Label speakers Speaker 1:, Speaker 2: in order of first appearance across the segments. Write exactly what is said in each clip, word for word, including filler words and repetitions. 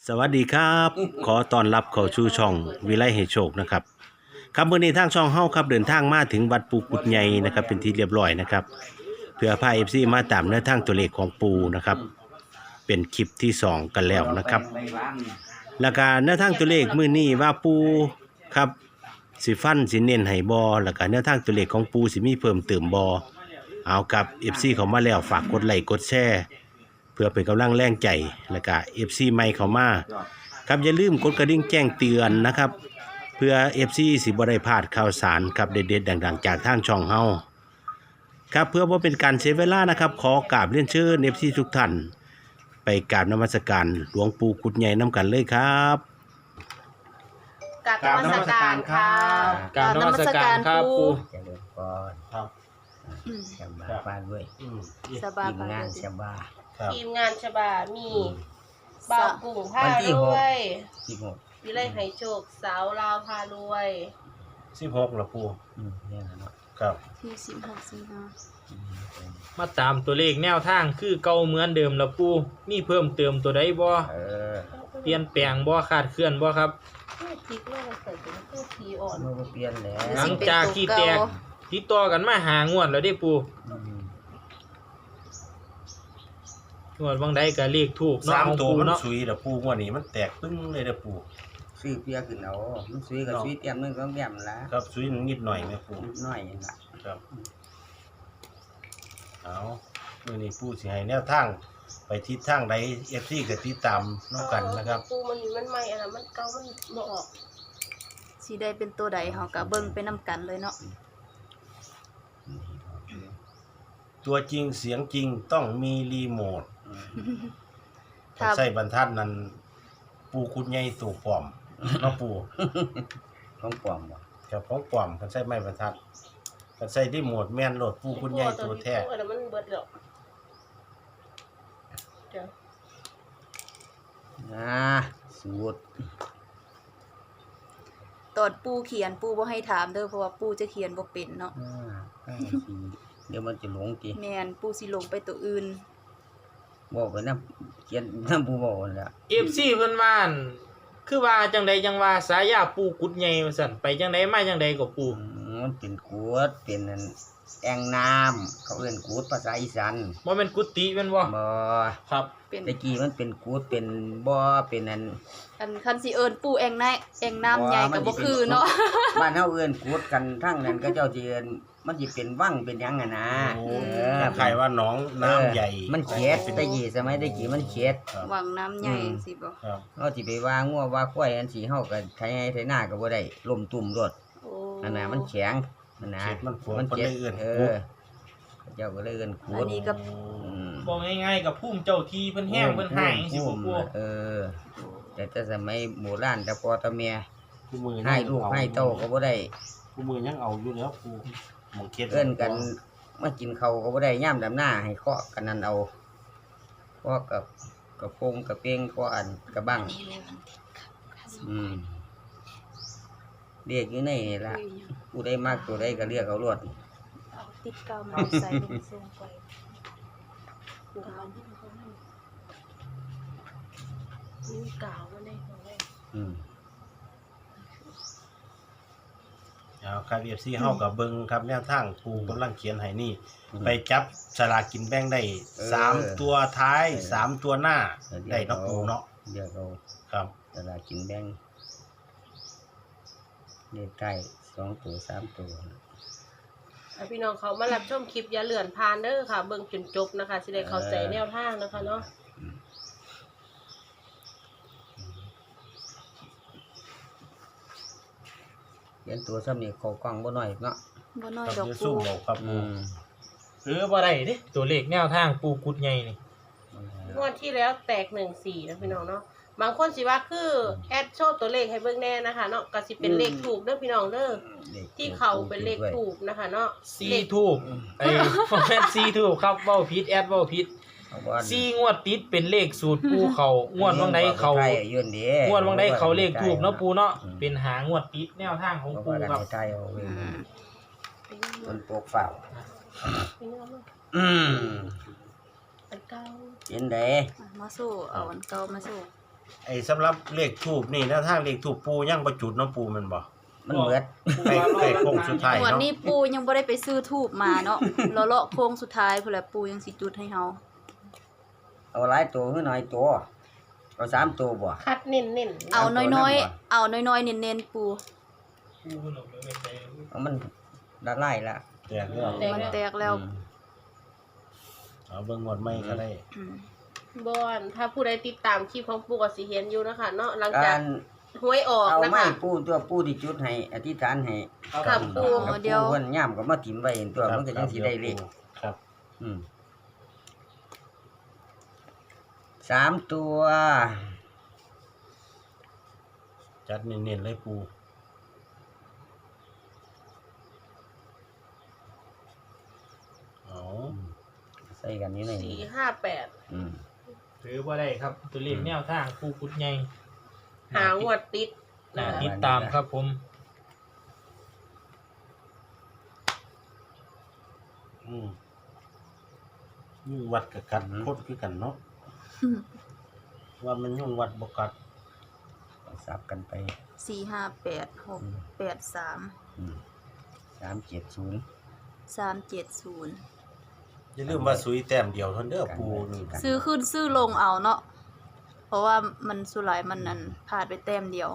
Speaker 1: สวัสดีครับขอต้อนรับเข้าสู่ช่องวิไลให้โชคนะครับครับมื้อนี้ทางช่องเฮาครับเดินทางมาถึงวัดปูกุดใหญ่นะครับเป็นที่เรียบร้อยนะครับเพื่อพา เอฟ ซี มาตามแนวทางตัวเลขของปูนะครับเป็นคลิปที่สองกันแล้วนะครับแล้วก็แนวทางตัวเลขมื้อนี้ว่าปูครับสิฟันสิเน้นให้บ่แล้วก็แนวทางตัวเลขของปูสิมีเพิ่มเติมบ่เอากับ เอฟ ซี เข้ามาแล้วฝากกดไลค์กดแชร์เพื่อเป็นกำลังแรงใจแล้วก็ เอฟ ซี ใหม่เข้ามาครับอย่าลืมกดกระดิ่งแจ้งเตือนนะครับเพื่อ เอฟ ซี สิบ่ได้พลาดข่าวสารครับเด็ดๆดังๆจากทางช่องเฮาครับเพื่อบ่เป็นการเสียเวลานะครับขอกราบเรียนเชิญ เอฟ ซี ทุกท่านไปกราบนมัสการหลวงปู่กุดใหญ่นํกันเลยครับ
Speaker 2: กราบนมัสการค่ะ
Speaker 3: กราบนมัสการครับปู่
Speaker 4: เจริญพร
Speaker 1: ครับ
Speaker 4: ชบาบ้านด้วย
Speaker 1: อืม
Speaker 2: สบาย
Speaker 4: ทีมงานชบา
Speaker 1: ครับ
Speaker 2: ทีมงานฉบามีบ่าวกุ้งพา
Speaker 4: วันที่
Speaker 2: ร
Speaker 4: หก
Speaker 2: วย
Speaker 4: ที่หก
Speaker 2: วิไลไหโชคสาวลาวพารวย
Speaker 1: สิบหกล่ะปู่
Speaker 4: อืมเนี่ยนะเนาะ
Speaker 1: ครับ
Speaker 5: ที่สิบหกสิงหา
Speaker 4: อืม
Speaker 3: มาตามตัวเลขแนวทางคือเก่าเหมือนเดิมแล้วปู่มีเพิ่มเติมตัวใดบ่
Speaker 4: เออ
Speaker 3: เปลี่ยนแปลงบ่คาดเคลื่อนบ่ครับ
Speaker 2: เพื่อพลิกเรื่องเกิดเป็นเพื่อทีอ่อน
Speaker 4: เมื่อบ่เปลี่ยนแล้ว
Speaker 3: หลังจากที่แตกติดต่อกันมาหางวดแล้วเด้ปู่
Speaker 4: อืม
Speaker 3: งวดบางใดก็เลขถูกเนาะ
Speaker 1: สาม
Speaker 3: ของ
Speaker 1: ตัว
Speaker 3: ปู่
Speaker 1: มัน
Speaker 3: เนาะ
Speaker 1: สุยล่ะปู่งวดนี้มันแตกปึ้งเลยเด้อปู่
Speaker 4: ซื้อเปียขึ้นเอามันซื้อกับซื้อเตรียมนึงต้องเตรียมละ
Speaker 1: ครับสุยนิดหน่อยแม่ปู่
Speaker 4: นิดหน่อยนี่ล่ะ
Speaker 1: ครับเอามื้อนี้ปู่สิให้แนวทางไปทิศทางใด เอฟ ซี ก็ติดตามนํกันนะครับ
Speaker 2: ปูมันมันใหม่อะไรมันเก่ามันบ่ออก
Speaker 5: สีได้เป็นตัวใดเฮาก็เบิ่งไปนำกันเลยเนาะ
Speaker 1: ตัวจริงเสียงจริงต้องมีรีโมท
Speaker 4: อืม
Speaker 1: ถ้าใส่บรรทัดนั้นปูคุดใหญ่ตัวปลอมเนาะปู
Speaker 4: ของปลอมบ่
Speaker 1: กับของปลอมกันใส่ไม้บรรทัดกันใส่รีโมทแม่นโหลดปูคุดใหญ่ตัวแท้
Speaker 2: ปูอะไรมันเบิดแล้วเดี๋ยว
Speaker 4: นะสูตร
Speaker 5: ตอนปู่เขียนปู่บ่ให้ถามเด้อเพราะว่าปู่จะเขียนบ่เป็นเนาะ
Speaker 4: อ่าให้สิเดี๋ยวมันจะหลงติ
Speaker 5: แม่นปู่สิลงไปตัวอื่น
Speaker 4: บอกไปนำเขียนนำผู้บอกนั่นล่ะ
Speaker 3: เอฟซีเพิ่นว่าอั่นคือว่าจังใดจังว่าสายาปู่กุดใหญ่ว่าซั่นไปจังใดมาจังใดก็ปู่
Speaker 4: อืมมันเป็นกูดเป็นอันแอ่งน้ำเขาเอิ้นกูดภาษาอีสาน
Speaker 3: บ่แม่นกุฏิแม่นบ่
Speaker 4: บ่
Speaker 3: ครับ
Speaker 5: เป็น
Speaker 4: ตะกี้มันเป็นกูดเป็นบ่อเป็นอัน
Speaker 5: อันคันสิเอิ้นปู่แองน้แองน้ำใหญ่ก็บ่คือเนาะ
Speaker 4: บ้านเฮาเอิ้นกูดกันทั้งนั้นก็เจ้าสิเอิ้นมันสิเป็นวังเป็นหยังอ่ะนะ
Speaker 1: โอ้
Speaker 4: เออ
Speaker 1: ใครว่าน้องน้ำใหญ่
Speaker 4: เออมันเขียดตะกี้สมัยตะกี้มันเขียด
Speaker 1: ครับ
Speaker 5: วังน้ำใหญ่
Speaker 4: อืม
Speaker 5: สิบ่
Speaker 1: ครับ
Speaker 4: เฮาสิไปว่างัวว่าควายอันสิเฮาก็ไถให้ไถนาก็บ่ได้ล่มตุ่มรถ
Speaker 5: โอ้
Speaker 4: อันน่ะมันแข็งอันน่ะ
Speaker 1: เขตมันฝน
Speaker 4: มัน
Speaker 1: เพิ่น
Speaker 4: เจ็
Speaker 1: เล
Speaker 4: บ
Speaker 1: ยเอื้อน
Speaker 4: เอ
Speaker 1: กู
Speaker 4: อเจ้าก็เลยเอิ้นกู
Speaker 5: อั
Speaker 4: ด
Speaker 5: นนี้ก็
Speaker 4: อืม
Speaker 3: บอกง่ายๆกับภูมิเจ้าที่เพิ่นแห้งเพิ่นหายจังซี่บ่ปู่
Speaker 4: เออ แต่แต่สมัยโบราณแต่พ่อแต่แม่
Speaker 1: ผู้มือ
Speaker 4: ให้ลูกให้เต้าก็บ่ได้
Speaker 1: ผู้มือยังเอาอยู่แล้วปูหมองเขียด
Speaker 4: เอิ้นกันมากินข้าวก็บ่ได้ย่ามดำหน้าให้เคาะกันนั่นเอาเคาะกับกับโปงกับเป้งเคาะอันกับบัง
Speaker 5: นี่เลยมัน
Speaker 4: อืมเรียกอยู่ในนี่ล่ะ
Speaker 5: อุ้ย
Speaker 4: ผู้ใดมักตัวใดก็เรียกเอารวด
Speaker 5: เอาติดเกามาใส่ลงส่งไปปู่มัน
Speaker 2: นี่กาวมันได้ของแม่
Speaker 4: อืม
Speaker 1: เอาครับ เอฟ ซี เฮากับเบิ่งครับแนวทางปูกำลังเขียนให้นี่ ไปจับสลากกินแบ่งได้สามตัวท้ายสามตัวหน้าได้เนาะปูเนาะ
Speaker 4: เรียกเอา
Speaker 1: ครับ
Speaker 4: ตลาดกินแบ่งเลขใกล้สองตัวสามตัว
Speaker 2: อ่ะพี่น้องเขามารับชมคลิปอย่าเลื่อนผ่านเด้อค่ะ เบิ่งจนจบนะคะสิได้เข้าใจแนวทางนะคะเนาะ
Speaker 4: เขียนตัวซ้ำนี่เข้ากล้องบ่น้อยเนาะ
Speaker 5: บ่น้อย
Speaker 1: ครับ
Speaker 5: ดอก
Speaker 1: เดี๋ยวสู้
Speaker 5: ปู่
Speaker 1: เอาครับ
Speaker 4: อื
Speaker 1: ปู
Speaker 4: ม
Speaker 3: หรือบ่ได้เด้ตัวเลขแนวทางปู่กุดใหญ่นี่
Speaker 2: งวดที่แล้วแตกหนึ่งสี่นะพี่น้องเนาะบางคนสิว่าคือแอดโชว์ตัวเลขให้เบิ่งแน่นะคะเนาะก็สิเป็นเลขถูกเด้อพี่น้องเด้อที่เขาเป็นเลขถูกนะคะเนาะ
Speaker 3: ซี
Speaker 2: เลข
Speaker 3: ทูบไอ้ บ่แม่นซีทูบครับเว้าผิดแอดเว้าผิด
Speaker 4: เอาว่า
Speaker 3: ซีงวดติดเป็นเลขสูตรปู่เขางวดบางใดเขา
Speaker 4: ไทยยื่นดี
Speaker 3: งวดบางใดเขาเลขถูกเนาะปู่เนาะเป็นหางวดติดแนวทางของ
Speaker 4: เพราะ
Speaker 3: ปู่
Speaker 4: ว่า
Speaker 3: ครับ
Speaker 4: ไทยเอาเว้ย
Speaker 5: อืม
Speaker 4: มันปกเฝ้า
Speaker 2: พี่น้อง
Speaker 4: อืม
Speaker 2: อันเก้า
Speaker 4: เห็นเด้
Speaker 5: อ่ะมาสู้เอาอันเก่ามาสู้
Speaker 1: ไอ้สำหรับเลขทูปนี่แนวทางเลขทูปปูยังบ่จุดเนาะปูแมันบ่
Speaker 4: มันเบิด
Speaker 1: ไปไปโค้งสุดท้าย
Speaker 5: งวด
Speaker 1: เนาะ
Speaker 5: นี้ปูยังบ่ได้ไปซื้อทูบมาเนาะ เลาะๆโค้งสุดท้ายพุ่นแหละปูยังสิจุดให้เฮา
Speaker 4: เอาหลายตัวคือน้อยตัวเอาสามตัวบ่
Speaker 2: คัดเน้นๆ
Speaker 5: เอาน้อยๆ เอาน้อยๆเน้นๆปู
Speaker 3: ปูเพิ่นเอาไปไว้ใส่
Speaker 4: เอามันละลายละ
Speaker 1: แตกแล้ว
Speaker 5: มันแตกแล้ว
Speaker 4: อืม
Speaker 1: เอาเบิ่งงวดใหม่ก็ได้
Speaker 5: อืม
Speaker 2: บอนถ้าผู้ใดติดตามคลิปของปู่ก็สิเห็นอยู่นะคะเนาะหลังจา
Speaker 4: การ
Speaker 2: กหวยออก
Speaker 4: เอา
Speaker 2: นะ
Speaker 4: ไม้
Speaker 2: คะ
Speaker 4: ปูตัวปูที่จุดให้อธิษฐานให้
Speaker 2: ครับปู
Speaker 4: กับ
Speaker 5: เดี๋ยว
Speaker 4: ปูเพิ่นย่ามก็มาถิ่มไว้เห็นตัวมันก็จังสิได้เลข
Speaker 1: ครับ
Speaker 4: อืมสามตัว
Speaker 1: จัดเน้นๆเลยปูเอา
Speaker 4: ใส่กันนี่หน่อย
Speaker 2: สี่ห้าแปด
Speaker 4: อืม
Speaker 3: ถือบ่ได้ครับ ตัวเลขแนวทางปูกุดใหญ่
Speaker 2: หางวดติด
Speaker 3: น่า
Speaker 2: นะคะ
Speaker 3: ติดตามครับผม
Speaker 1: อืมยุ่งวัดกับกัดโคตรคือกันเนาะว่ามันยุ่งวัดบ่กัด
Speaker 4: สับกันไป
Speaker 5: สี่ห้าแปดหกแปดสาม
Speaker 4: อืมสามเจ็ดศูนย์
Speaker 5: สามเจ็ดศูนย์
Speaker 1: อย่าลืมว่าสุยแต้มเดียวเท่านั้นเด้อปูนี่
Speaker 5: ซื้อขึ้นซื้อลงเอาเนาะ เพราะว่ามันสุหลายมันนั่นพลาดไปแต้มเดียว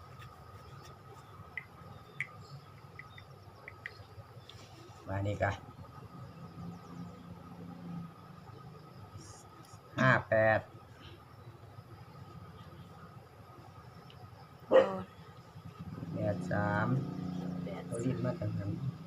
Speaker 4: มานี่กะห้าแปด
Speaker 5: โอ้
Speaker 4: แปดสาม
Speaker 5: แปด
Speaker 4: เอาลิ้นมาตั้งนั้น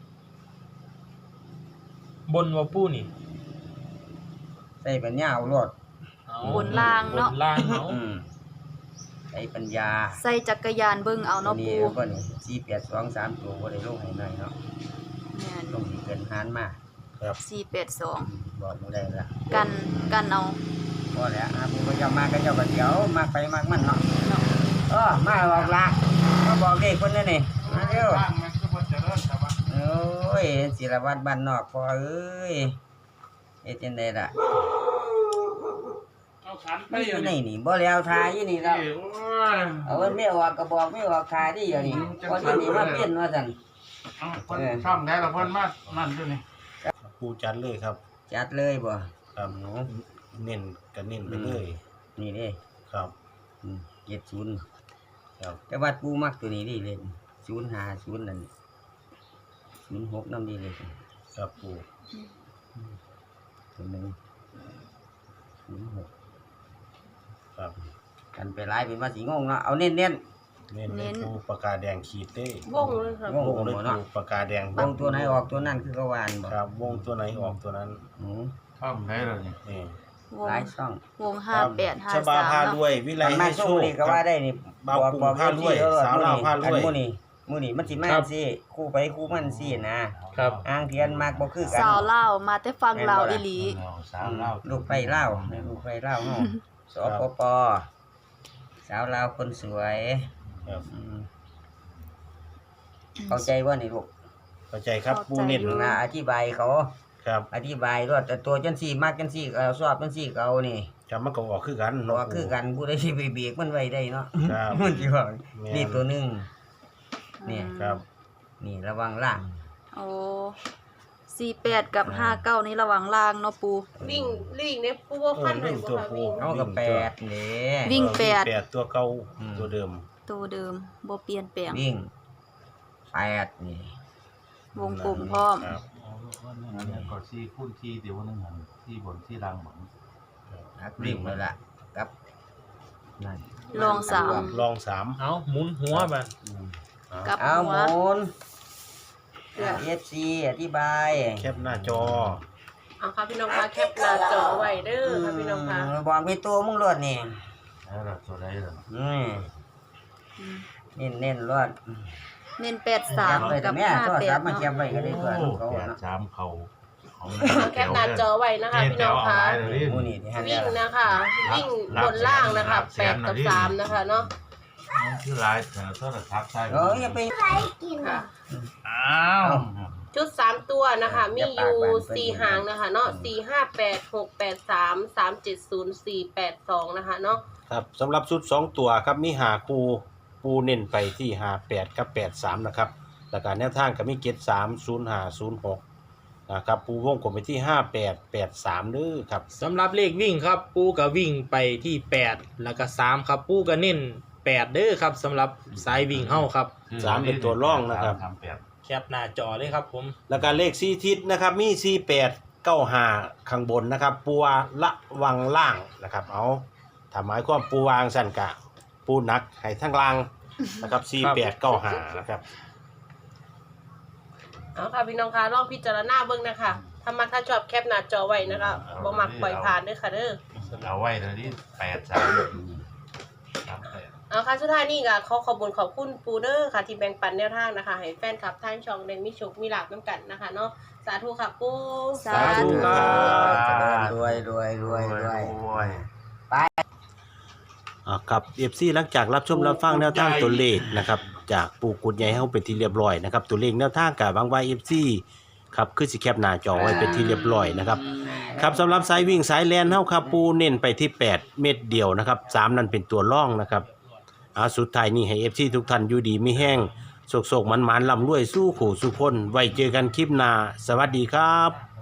Speaker 3: บนว่าปูนี่
Speaker 4: ใส่ปัญญาเอารถ
Speaker 3: เอา
Speaker 5: บนล่างเนาะ
Speaker 3: บนล่างเนาะ
Speaker 4: อืมใส่ปัญญา
Speaker 5: ใส่จักรยานเบิ่งเอาเนาะ
Speaker 4: นี่
Speaker 5: ปู
Speaker 4: ก็นี่สี่แปดสองสามตัวก็ได้ลงให้หน่อยเนาะ
Speaker 5: แม่น
Speaker 4: ลงที่เกินหานมา
Speaker 1: ครับ
Speaker 5: สี่แปดสอง
Speaker 4: อืมบอกมาได้ละ
Speaker 5: กันกันเอา
Speaker 4: พอแล้วอ่ะผู้ก็จะมาก็เจ้าก็เดี๋ยวมากไปมากมันเนาะ
Speaker 5: เนาะ
Speaker 4: เออมาบอกละมาบอกเด็กคนนี้นี่มาเร็วโอ้ยศิลวัตรบ้านนอกพอเอ้ยเฮ็ดจังไดล่ะมันอยู่นี่นี่บ่แล้วทายอยู่นี่แล้วเอามันไม่ออกก็บอกไม่ออกทายดิอยู่นี่พออยู่นี่มาเปลี่ยนว่าซั่น
Speaker 6: เอาคนช่องได้ละเพิ่นมานั่นด้วยนี่
Speaker 1: ปูจัดเลยครับ
Speaker 4: จัดเลยบ่
Speaker 1: ครับเน้นก็เน้นไปเลย
Speaker 4: นี่เด้
Speaker 1: ครับ
Speaker 4: อืมเจ็ดศูนย์
Speaker 1: ครับ
Speaker 4: แต่ว่าปูมักตัวนี้ดิเลยศูนย์ห้าศูนย์นั่นศูนย์หกนำดีเลย
Speaker 1: ครับปู
Speaker 4: ตัวหนึงศูนย์หก
Speaker 1: ครับ
Speaker 4: กันไปหลายเป็นว่าสิงงเนาะเอาเน้นๆ
Speaker 1: เน้นเลยปูปากกาแดงขีดเด้
Speaker 2: วงเลยค่ะ
Speaker 4: วง
Speaker 1: วงเลยปูปากกาแดง
Speaker 4: วงตัวไหนออกตัวนั้นคือกวานบ่
Speaker 1: ครับวงตัวไหนออกตัวนั้น
Speaker 4: อืม
Speaker 6: ช่องได้ละนี่
Speaker 1: นี่
Speaker 5: วง
Speaker 4: หลายช่อง
Speaker 5: วงห้าแปดห้า
Speaker 1: ชบา
Speaker 5: สาม
Speaker 1: พาร
Speaker 5: เนาะ
Speaker 1: วยวิไล
Speaker 4: มัน
Speaker 1: ให้
Speaker 4: มา
Speaker 1: โช
Speaker 4: สู้
Speaker 1: ค
Speaker 4: นี่ก็ว่าได้นี่
Speaker 1: บ่าว
Speaker 4: บอก
Speaker 1: กลุ่ม
Speaker 4: บอก
Speaker 1: พารวย
Speaker 4: เออ
Speaker 1: สาวลาวพารวย
Speaker 4: อันมื้อนี้มื้อนี้มันสิมาสิคู่ไปคู่มันสินะครับ อ้างเทียนมากบ่คือกัน
Speaker 5: สาวเล่าวมาแต่ฟังลาวอีหลี
Speaker 6: เอาสาวเล่า
Speaker 4: ลูกไฟเล่าวลูกไฟเล่าวเฮาสปปสาวลาวคนสวย
Speaker 1: ครับ
Speaker 4: อืมเข้าใจว่านี่ลูก
Speaker 1: เข้าใจครับปูเน้น
Speaker 5: เข้าใจอยู่
Speaker 4: นะอธิบายเขา
Speaker 1: ครับ
Speaker 4: อธิบายรวดแต่ตัวจังซี่มากจังซี่ก็เอาชอบจังซี่ก็เอานี่
Speaker 1: จำมันก็ออกคือกัน
Speaker 4: เพราะ
Speaker 1: เนาะ
Speaker 4: ว่าคือกันผู้ใดสิไปเบรกมันไว้ได้เนาะ
Speaker 1: ครับ
Speaker 4: มันสิว่า
Speaker 1: แม่น
Speaker 4: นี่ตัวหนึง เนี่ย
Speaker 1: ครับ
Speaker 4: นี่ระวังล่าง
Speaker 5: โอ้สี่แปดกับห้าเก้านี่ระหว่างล่างเนาะปู
Speaker 2: วิ่งลิ่งเนี่ยปูว่าฟันหน่อยบ่ค่ะวิ่ง
Speaker 4: เอากับแปดเด้
Speaker 5: วิ่งแปด
Speaker 1: แปดตัวเก่า
Speaker 4: อืม
Speaker 1: ตัวเดิม
Speaker 5: ตัวเดิมบ่เปลี่ยนแปลง
Speaker 4: วิ่งแปดนี่
Speaker 5: วงกลมพร้อม
Speaker 1: ครับ
Speaker 6: อันนี้ก็ซี่คูณซี่เดี๋ยวนึงหันซี่บนซี่ล่างหมด
Speaker 4: นักวิ่งเลยล่ะครับนั่น
Speaker 5: ลองสาม
Speaker 1: ลองสาม
Speaker 3: เอาหมุนหัวไป
Speaker 5: กับ
Speaker 4: เอา
Speaker 5: หั
Speaker 4: ห
Speaker 5: ว
Speaker 4: มุนเอฟซีอธิบาย
Speaker 1: แคปหน้าจอ
Speaker 2: เอาค่ะพี่น้องคะแคปหน้าจอไว้เด้อค่ะพี่น้องคะ
Speaker 4: มบอกไปตัวมึงรวดนี่
Speaker 6: แล้วล่ะตัวใดล่ะ
Speaker 4: อืม
Speaker 5: อืม
Speaker 4: เน้นเน้นๆรวด
Speaker 5: เน้นแปดสาม
Speaker 4: ไปแต่
Speaker 5: กับ
Speaker 4: แม่
Speaker 5: ห้า
Speaker 4: โทร
Speaker 5: แป
Speaker 4: ศั
Speaker 5: ด
Speaker 4: พท์มา
Speaker 5: เนาะ
Speaker 4: เก็บไว้ก็ได้ตัว
Speaker 6: โอ้
Speaker 4: เขา
Speaker 6: แปด
Speaker 4: เนาะ
Speaker 6: สามเขาของ
Speaker 2: เอาแคปหน้าจอไว้นะคะพี่น้องคะ
Speaker 4: หมูนี่ที่หัน
Speaker 2: วิ่
Speaker 4: แล้ว
Speaker 2: งนะคะ วิ่งบนล่างนะคะแปดกับสามนะคะเนาะ
Speaker 6: คือลายแต่โทรศัพท์ใช่
Speaker 4: เอ้ยอย่าไป
Speaker 2: ค่ะ
Speaker 6: อ้าว
Speaker 2: ชุดสามตัวนะคะ มีอยู่สี่หางนะคะเนาะสี่ห้าแปดหกแปดสามสามเจ็ดศูนย์สี่แปดสองนะคะเนาะ
Speaker 1: ครับสำหรับชุดสองตัวครับมีห้าคู่ปูเน้นไปที่ห้าแปดกับแปดสามนะครับแล้วก็แนวทางก็มีเจ็ดสาม ศูนย์ห้า ศูนย์หกนะครับปูวงกลมไปที่ห้าแปด แปดสามเด้อครับ
Speaker 3: สำหรับเลขวิ่งครับ ปูก็วิ่งไปที่แปดแล้วก็สามครับ ปูก็เน้นแปดเด้อครับสำหรับสายวิ่งเฮาครับ
Speaker 1: สามเป็นตัวร่องนะครับ
Speaker 6: สามแปด
Speaker 3: แคปหน้าจอเลยครับผม
Speaker 1: แล้วก็เลขสี่ทิศนะครับมีสี่แปด เก้าห้าข้างบนนะครับปูวาละวังล่างนะครับเอาถ้าหมายความปูวางสั่นกะปูหนักให้ทั้งล่างนะครับสี่แปด เก้าห้านะครับ
Speaker 2: เอาค่ะพี่น้องคะลองพิจารณาเบิ่งนะคะถ้ามักถ้าชอบแคปหน้าจอไว้นะคะบ่มักปล่อยผ่านเด้อค่ะเด้อ
Speaker 6: เอาไว้เลยที่แปดสามสามแปด
Speaker 2: เอาค่ะสุดท้ายนี่ก็ขอขอบคุณขอบคุณปูเดอร์ค่ะที่แบ่งปันแนวทางนะคะให้แฟนคลับทางช่องได้มีโชคมีลาภนํกันนะคะเนาะสาธุค่ะปู
Speaker 5: สาธุ
Speaker 1: ครับ
Speaker 4: เจริญรวยรวยรวยรวย
Speaker 6: ย
Speaker 1: อ่าครับ เอฟ ซี หลังจากรับชมรับฟังแนวทางตัวเลขนะครับจากปูกุดใหญ่เฮาเป็นที่เรียบร้อยนะครับตัวเลขแนวทางกับบางว่า เอฟ ซี ครับคือสิแคปหน้าจอไว้เป็นที่เรียบร้อยนะครับครับสำหรับสายวิ่งสายแล่นเฮาครับปูเน้นไปที่แปดเม็ดเดียวนะครับสามนั่นเป็นตัวร่องนะครับอ่าสุดท้ายนี้ให้ เอฟ ซี ทุกท่านอยู่ดีมีแห้งโศกๆมันๆร่ำรวยสู้ขู่สู้คนไว้เจอกันคลิปหน้าสวัสดีครับ